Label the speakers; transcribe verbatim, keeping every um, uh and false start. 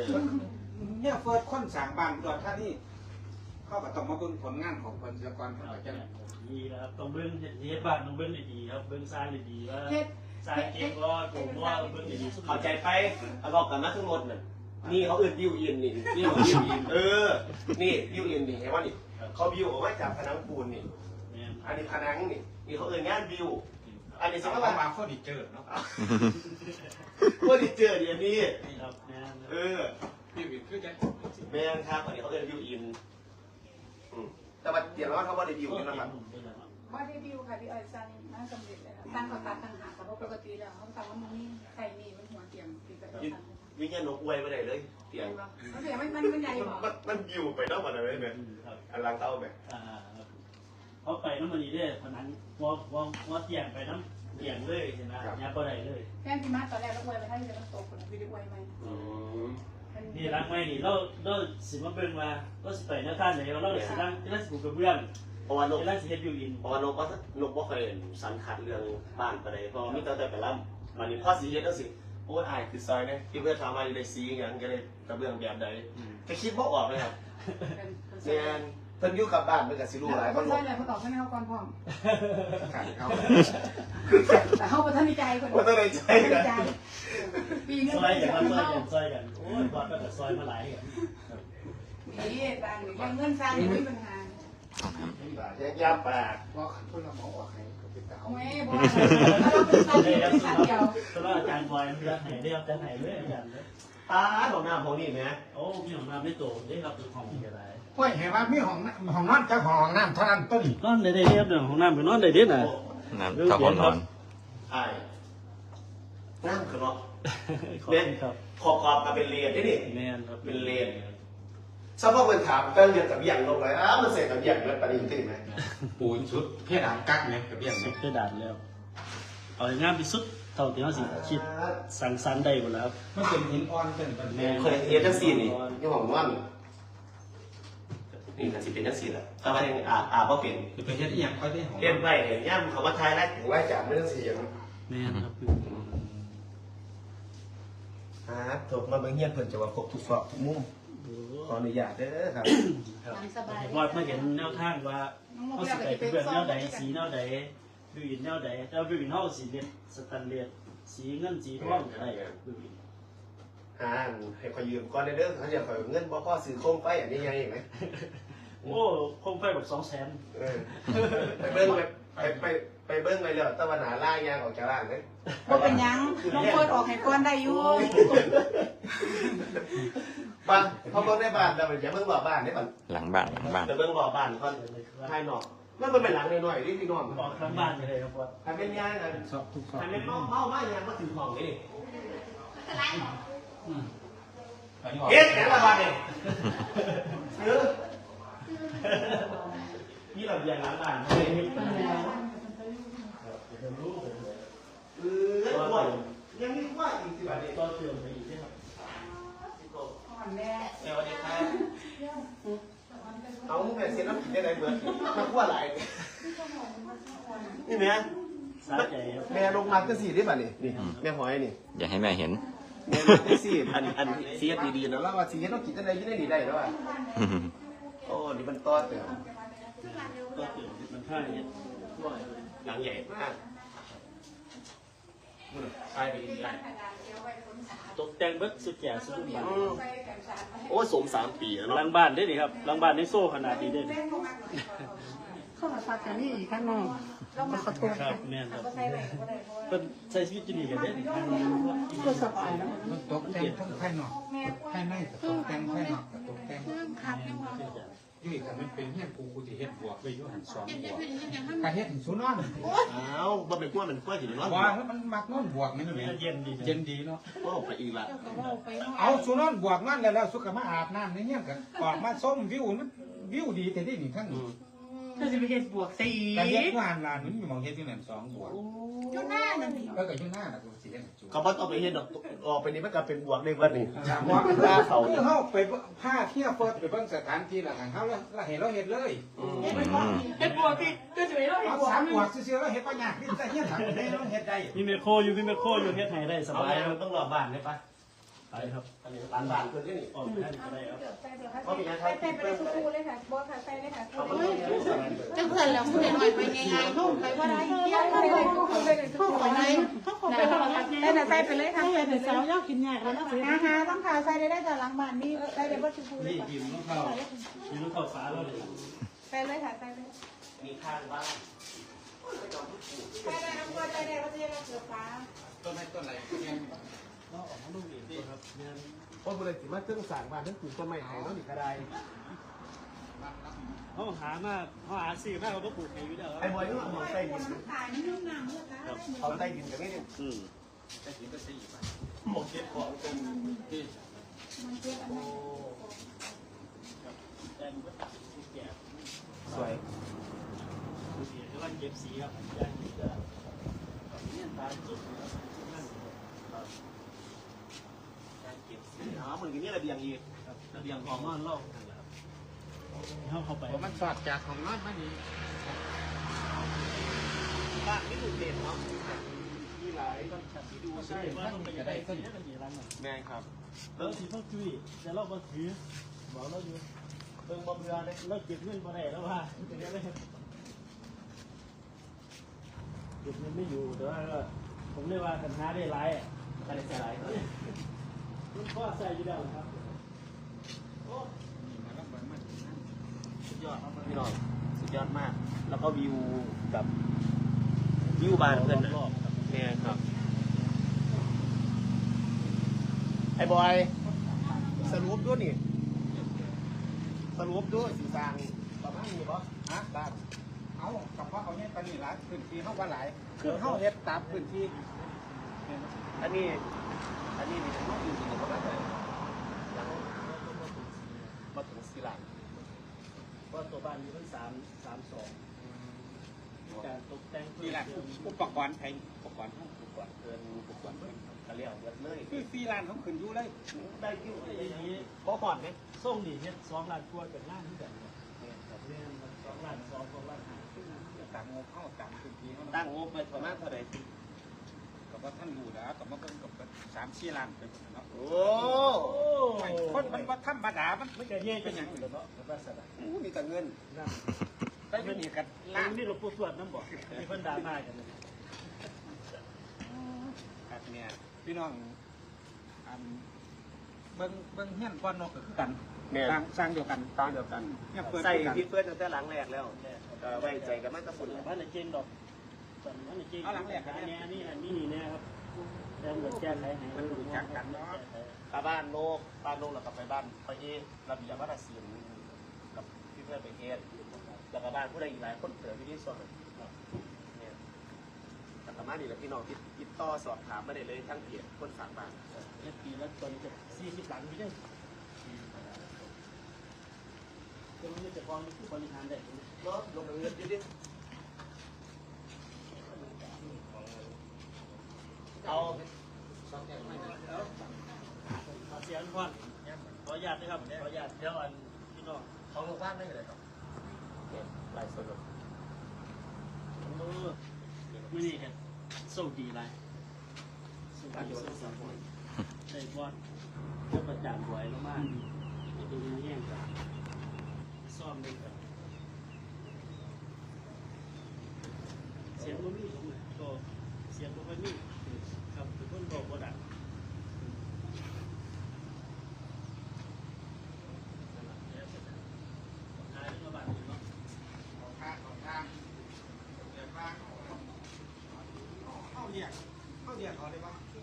Speaker 1: เนี่ยเฟิร์สคนสร้างบ้านตัวท่านี่เขาก็ต้องมาเบิ่งผลงานของคนเสียก่อนเขาจะ
Speaker 2: ดีนะครับต้องเบิ้งเฮ็ดบ้านต้องเบิ้งดีครับเบิ้งสร้างดีว่าสร้างเก่งก็ผมว่าเบิ้งดี
Speaker 3: เข้าใจไปเอาบอกกันนะทั้งหมดน่ะนี่เขาเอื่นบิวอินนี่นี่เขาบิวอินเออนี่บิวอินนี่เห็นว่านี่เขาบิวออกมาจากผนังปูนนี่อันนี้ผนังนี่นี่เขาเอื่นงานบิวอันนี้สมมติว่า
Speaker 1: มาเฟอร์นิเจอร์เนาะ
Speaker 3: เฟอร์นิเจอร์เดี๋ยวนี้เออ
Speaker 1: บิวอินคือจะ
Speaker 3: แม่ครับอันนี้เขาเอื่นบิวอินแต่ว่าเดี๋ยวเราเขาว่าได้บิวนี่นะครับ
Speaker 4: ว่าได้บิวค่ะพี่อ้อยสร้างน่าสำเร็จเลยค่ะตั้งเขาตัดตั้งหาแต่ว่าปกติแล้วเขาทำว่ามันนี่ใส่มีมันหัวเตียงติดกับตั้ง
Speaker 3: วิ่งยันนกอวยไปไหนเลยเตียง
Speaker 4: มันเตียงมันมันมันใหญ่หรอ
Speaker 3: มันบิวไปนอกมันอะไรไหมอันลังเต้าไหม
Speaker 2: เขาไปน้ำมันนี่ได้ผนังวอวอวอเตียงไปน้ำเตียงเลยเห็นไหมยาบ่ได้เลย
Speaker 4: แค่ที่มาตอนแรกเราอวยไปให้จะต้องโตคนวิดีโออวยไหม
Speaker 2: นี่รักไม่นี่เราเราสิมาเบิ่งมาเราสิไปหน้าท่านไหนเราสินั่งเราสิปลูกกระเบื้อง
Speaker 3: เพราะว่านก
Speaker 2: เราสิเฮ็ดบิวอิน
Speaker 3: เพราะว่านกก็นกก็เคยสันขัดเรื่องบ้านไปเลยเพราะมิตรแต่ไปล่ำวันนี้พ่อสีเฮ็ดแล้วสิโอ้ยอายคือซอยเนี่ยที่เพื่อนทำมาอยู่ในสีอย่างก็เลยกระเบื้องแบบใดจะคิดว่าออกเลยครับเนี่ยเพิ่นอยู่กับบ้านเพิ่นก็สิรู้หลาย
Speaker 4: คนใช่เลยเขาตอบให้เขาก่อนพร้อม
Speaker 1: เขา
Speaker 4: แต่เขาประทับใจคน
Speaker 3: ประทับใจ
Speaker 4: กันปีนึง
Speaker 2: ซอยกันซอยกันซอยกันโอ้ยบอสก็ซอยมาหลายกัน
Speaker 4: นี่บ้านยังเงินสร้างไม่มีปัญหา
Speaker 3: แยกยาปาก
Speaker 1: ว่าคนละหมอว่าใครก็เป็นเก่า
Speaker 4: ไม่บอกเราเป็นสร้างเดียวสร้างเดียว
Speaker 2: เพราะว่าอาจารย์บอยมันจะไหนได้อาจารย์ไหนด้วยอาจารย์เลย
Speaker 3: ตาของน้ำของนี่ไหม
Speaker 2: โอ้มีของน้ำไม่โตได้รับเป็นของอะไร
Speaker 1: ห้วยเห็นว่ามีห้องห้องนอนกับห้องน้ำเท่านั้นต้น
Speaker 2: นอนได้ได้เรียบเรื่องของน้ำเป็นนอนได้เด็ดน่ะ
Speaker 5: น้ำถ้าคนนอน
Speaker 3: ไอ้นั่งคือเนาะเนี่ยขอบขอบมาเป็นเลนได้ดิเป็นเลนชาวบ้านถามเรื่องเรียนกับอย่างลงเลยอ้าวมันเสร็จกับอย่างแล้วประเด็นที่ไหม
Speaker 1: ปูนชุดเพดานกักเนี่ยกับอย่าง
Speaker 2: สุดเพดานแล้วเอางานไปสุดเท่าที่เขาสิคิดสั่งสรรค์ได้หมดแล้ว
Speaker 1: มันเป็นหินอ่อนเป็นเป็น
Speaker 3: แม่เคยเรียนจังสี่นี่ยี่ห้อมันนี่ก็สิเป็นจังสี่แหละถ้าว่าอาอาบ่เป็น
Speaker 1: เป็นเฮ็ดอย่างค่อยได้
Speaker 3: เฮ็ดไว้เห็นย่ำเขาว่าทายแล้วถึงว่าจากเรื่องเสียง
Speaker 2: แม่ครับ
Speaker 3: อ่าถูกมาเบิ่งเฮียนเพิ่นจะว่าครบทุกซอกทุกมุมขออนุญาตเด้อครับ
Speaker 2: ว่าเมื่อเห็นแนวทางว่าเขาสิไปเป็นแนวใดสีแนวใดบิวอินแนวใดแต่บิวอินเฮาสีเรียนสแตนเลสสีเงินสีทองอะไรบิวอิน
Speaker 3: อ่าให้ขอยืมก่อนเด้อเขาจะขอเงินบ่พอซื้อโคมไฟอันนี้ยังอีกไหม
Speaker 2: โอ้โคมไฟแบบสองแสน
Speaker 3: ไปเบิ้งไปไปไปเบิ้งไปเลยตะวันหาล่ายางออกจากร้านเลย
Speaker 4: ว่าเป็นยังน้องเฟิร์สออกให้ก้อนได้อยู่
Speaker 3: บ้านเขาเบิ้งในบ้านแต่อย่าเบิ้งบ่อบ้านได้บ้าน
Speaker 5: หลังบ้านหลังบ้าน
Speaker 3: จะเบิ้งบ่อบ้านก่อนภายนอกมันเป็นหลังหน่อยๆนี่พี่น้อง
Speaker 2: บอกทั้งบ้านเลยครับว่า
Speaker 3: ทำเป็นยังไงทำเป็นเมาเมาไม่ยังมาถึงห้องนี่เฮ็ดแค่ละบาทเองเออนี่เราอย่างร้านบ้านไม่เห็นเออว่ายังมีว่าอีกสิบาทเอง
Speaker 2: ก็เติมไปอีกใช่ไหม
Speaker 3: แม่สวัสดีครับเอาแม่เสียน้ำผิดได้ไหนเบื่อมาขั้วไหลนี่แม่แม่ลงมาก็สี่ได้ป่ะนี่นี่แม่หอยนี่
Speaker 5: อย่าให้แม่เห็น
Speaker 3: แม่มาก็สี่อันอันเสียดีๆนะแล้วว่าเสียต้องกินอะไรยิ่งได้ดีได้แล้วอ่ะโอ้นี่มันต้อเติม
Speaker 2: ต้อเติมมันค่าเนี่ย
Speaker 3: หลังใหญ่มากไปดีใหญ่
Speaker 2: ตกแต่งเบิดสุดแก่สุดบ้าน
Speaker 3: โอ้สมสามปีแล้ว
Speaker 2: หลังบ้านได้ดิครับหลังบ้านในโซ่ขนาดนี้ได้
Speaker 4: เข้ามาฟังกันนี่อีกข้างนอกเรามาขอโทษ
Speaker 2: ครับแม่ครับเป็นใช้ชีวิตจะดีกันได้ดิครับ
Speaker 4: ก็สบายแล้ว
Speaker 1: มันตกแต่งทั้งภายนอกภายในตกแต่งภายนอกตกแต่งยุ่ยกันมันเป็นเฮียนกูกูจะเฮ็ดบวกไปยุ่หันสองบวกการเฮ็ดถึงศูนย์นอน
Speaker 3: อ้าวมันเป็นกล้วยเป็นกล้วยถึงนอน
Speaker 1: ว่ามันมักนอนบวกนี่
Speaker 2: เย็นดี
Speaker 1: เย็นดีเนาะ
Speaker 3: ก็ไปอีกละ
Speaker 1: เอาศูนย์นอนบวกนั่นแล้วสุขมาอาบน้ำในเฮียกันออกมาส้มวิวมันวิวดีแต่ที่นี่ทั้ง
Speaker 4: ถ้าจะไปเฮ็ดบวกสี่
Speaker 1: แต่เฮ็ดงานลานมันมีมองเฮ็ดที่นั่นสองบวก
Speaker 4: ยุ่งหน้านั่น
Speaker 1: แล้วก็ยุ่งหน้าน่ะกูสิเฮ็ด
Speaker 3: เขาบอกต้องไปเฮ็ดออกไปนี่มันก็เป็นบวกในวันนี้
Speaker 1: บวกลาเขาเฮาไปผ้าเที่ยวเปิดไปเบิ่งสถานที่ละหันเฮาแล้วเห็นเราเฮ็ดเลย
Speaker 4: เฮ็ดบวกเฮ็ดบวกพี่ก็จะไปเราเฮ็ดบวก
Speaker 1: สามบวกซื่อๆแล้วเฮ็ดบ่ยากนี่แต่เฮ็ดทางได้เราเฮ็ดได้
Speaker 2: มีแมคโครอยู่มีแมคโครอยู่เฮ็ดให้ได้สบาย
Speaker 3: มันต้องรอบ้านได้ปะ
Speaker 2: คไปครับ
Speaker 3: อันนี้ร้านบ้านเพื่อนที่นี่
Speaker 2: ออกไปได้ก็ได้ครับ
Speaker 4: ใส่เดี๋ยวค่ะใส่ใส่ไปเลยคู่เลยค่ะบอสค่ะใส่เลยค่ะ
Speaker 3: เขาไม่ต้องใช้สารเลย
Speaker 6: จังเพื่อนแล้วผู้ใดหน่อยไปยังไงห้องไปว่าได้
Speaker 4: ใส่ไปเลยคู่เลยเลย
Speaker 6: ห้องไปไหนห้องไปห้องไป
Speaker 4: ได้แต่ใส่ไปเลยค่ะ
Speaker 6: ใส่แต่สาวยากกินยากแล้วนะสิ
Speaker 4: อาหารต้องขาใส่ได้ได้แต่หลังบ้านนี่ใส่เดี๋ยวบอสคู่เลย
Speaker 2: นี่
Speaker 4: ค่ะ
Speaker 2: กินลูกเข้ากินลูกเข้าฟ้าแล้วเลย
Speaker 4: ใส่เลยค่ะใส่เลย
Speaker 3: มีข้างบ้าน
Speaker 4: ใส่ได้น้ำก็ใส่ได้ก็จะได้เสือฟ้า
Speaker 1: ต้นไม้ต้นอะไรเนี่ย
Speaker 2: ก็ออกมาลูกอีกครับเนี่ย
Speaker 3: เพราะบริษัทมาเครื่องสร้างบ้านทั้งปลูกต้นไม้ไห้แล้วนี่ก็ได้
Speaker 2: เขาหามาเขาหาซื้อมาเขาก็ปลูกอยู่แล้ว
Speaker 3: ไอ้บอยนี่มันใต้ดิน
Speaker 4: ขายนี่น้ำน้ำเลยค่ะ
Speaker 3: เขาใต้ดินกันนี่เนี่ย
Speaker 2: อืม
Speaker 1: ได้กินก็สี่บาท
Speaker 3: หมกเก็บของเป็น
Speaker 1: ที่
Speaker 4: มันเจ็บอันนี้
Speaker 2: แต่มันก็ตัดสีแก่
Speaker 3: สวย
Speaker 2: สีที่ว่าเก็บสีครับย่างนี้จะเนี่ยตาจุดนะครับนั่นครับ
Speaker 3: การเก็บสีอ๋อเหมือนกันนี่ระเบียงอีก
Speaker 2: ครับระเบียงของนอนเล่านั่นแหละครับเข้าเข้าไป
Speaker 1: ผมมันสอดจากของนอนมานี่
Speaker 3: บ้านนี่ดูเด่นเนาะมีหลาย
Speaker 2: ที่ดูใช่ว่าต้องไปยังไงก็ยังไงร้านน่ะ
Speaker 3: แม่ครับ
Speaker 2: แล้วสีพ่อจุ้ยแต่เราบ่ถือบอกเราอยู่
Speaker 3: เบิ่งบ่เบื่อเลย
Speaker 2: เราเก็บเงินมาได้แล้วว่าเป็นยังไงเก็บเงินไม่อยู่แต่ว่าก็ผมเรียกว่าปัญหาได้หลายอ่ะ
Speaker 3: ใส่ใส่หลายเลย
Speaker 2: มันก็ใส่อยู่แล้วครับ
Speaker 1: นี่มาแล้วมันมัน
Speaker 3: สุดยอดพี่น้องสุดยอดมาก แล้วก็วิวกับวิวบ้านเพื่อนนะ
Speaker 2: รอบๆครับ
Speaker 3: แม่ครับไอ้บอยสรุปด้วยนี่สรุปด้วยสีสร้างประมาณนี้ป่ะ
Speaker 1: ฮะบ้านเอากับพ่อเอาเนี่ยปนี่หลายพื้นที่เขาว่าหลายคือเขาเฮ็ดตามพื้นที่
Speaker 3: อันนี้ อันนี้มีทั้งอยู่ที่นี่ประมาณไหนยังมาถึงสีหลัง
Speaker 2: เพราะตัวบ้านมีทั้งสามสามสองมีการตกแต่ง
Speaker 1: นี่แหละอุปกรณ์ไทยอุปกรณ์ห้อง
Speaker 3: ถูกกว่าเกินถูกกว่าก็เรียกเยอะเลย
Speaker 1: คือฟรีแลนซ์เขาขึ้นอยู่เลย
Speaker 3: ได้กิ้ว
Speaker 2: อย่างนี้
Speaker 3: บ่หอดไหม
Speaker 2: ส่งนี่เฮ็ดสองล้านกว่าเป็นล้านที่แบบเนี่ยครับเนี่ยสองล้านสองสองล้านห้า
Speaker 1: ตามงบเข้าตามพื้นที่เขา
Speaker 3: ตั้งงบไปประมาณเท่าไหร่
Speaker 1: กับว่าท่านรู้แล้วกับมาเพิ่งกับสามสี่ล้านไปหมดเนาะ
Speaker 3: โอ้
Speaker 2: โอ้
Speaker 1: คนมันว่าธรรมดามัน
Speaker 2: ไม่เกิดเย่เป็นอย่างอื่นเนาะเป็นภาษาใด
Speaker 3: โหมีแต่เงิน
Speaker 2: นั่น
Speaker 1: ได้ไม่มีกัน
Speaker 2: ล้า
Speaker 1: ล้าน น
Speaker 2: นี่เราพูดสวดน้ำบ่มีคนด่ามากัน
Speaker 1: ครับเนี่ยพี่น้องอันเบิ้งเบิ้งเฮี้ยนก้อนนกก็คือกัน
Speaker 3: แม่
Speaker 1: สร้างสร้างเดียวกัน
Speaker 3: ตามเดียวกัน
Speaker 1: เนี่ยเปิด
Speaker 3: ใส่
Speaker 1: คือกัน
Speaker 3: พี่เพื่อนตั้งแต่หลังแรกแล้วก็ไว้ใจกันมากกับฝุ่น
Speaker 2: บ้านในเจงดอกตอนนั้นในเจงเนี่ยนี่อันนี้นี่นะครับแต่เหมือนแก้ไขให้มันรู้จักกันเนาะ
Speaker 3: ไปบ้านโลกบ้านโลกแล้วก็ไปบ้านไปเอระเบียบวัฒนศิลป์กับพี่เพื่อนไปเอแล้วก็บ้านผู้ใดอีกหลายคนเสือพี่ที่ส่วนเนี่ยแต่ประมาณนี้แหละพี่น้องติดติดต่อสอบถามไม่ได้เลยทั้งเพจคนฝากบ้าน
Speaker 2: เนี่ยปีละตอนจะสี่สิบหลังพี่เนี่ยตรงนี้จะพอมีผู้บริหารได้
Speaker 3: เนาะลงเงินอยู่ดิเอา
Speaker 2: ขอเสียงก่อนขออนุญาตนะครับขออนุญาตเดี๋ยวอันพี่น้อง
Speaker 3: เขาลงบ้านได้เลยครับเนี่ยลายสด
Speaker 2: เออไม่นี่กันโชคดีไรโชคดีโชคดีใส่บอลเจ้าประจานบวยลงมาดูแห้งกันซ่อมด้วยกันเสียงมันมีก็เสียงมันมีครับทุกคนบอกว่าดังทายมาบ้านเนาะ
Speaker 1: ของทางของทางเรียกว่าเข้าเรียกเข้าเรียกเขาเลยว่า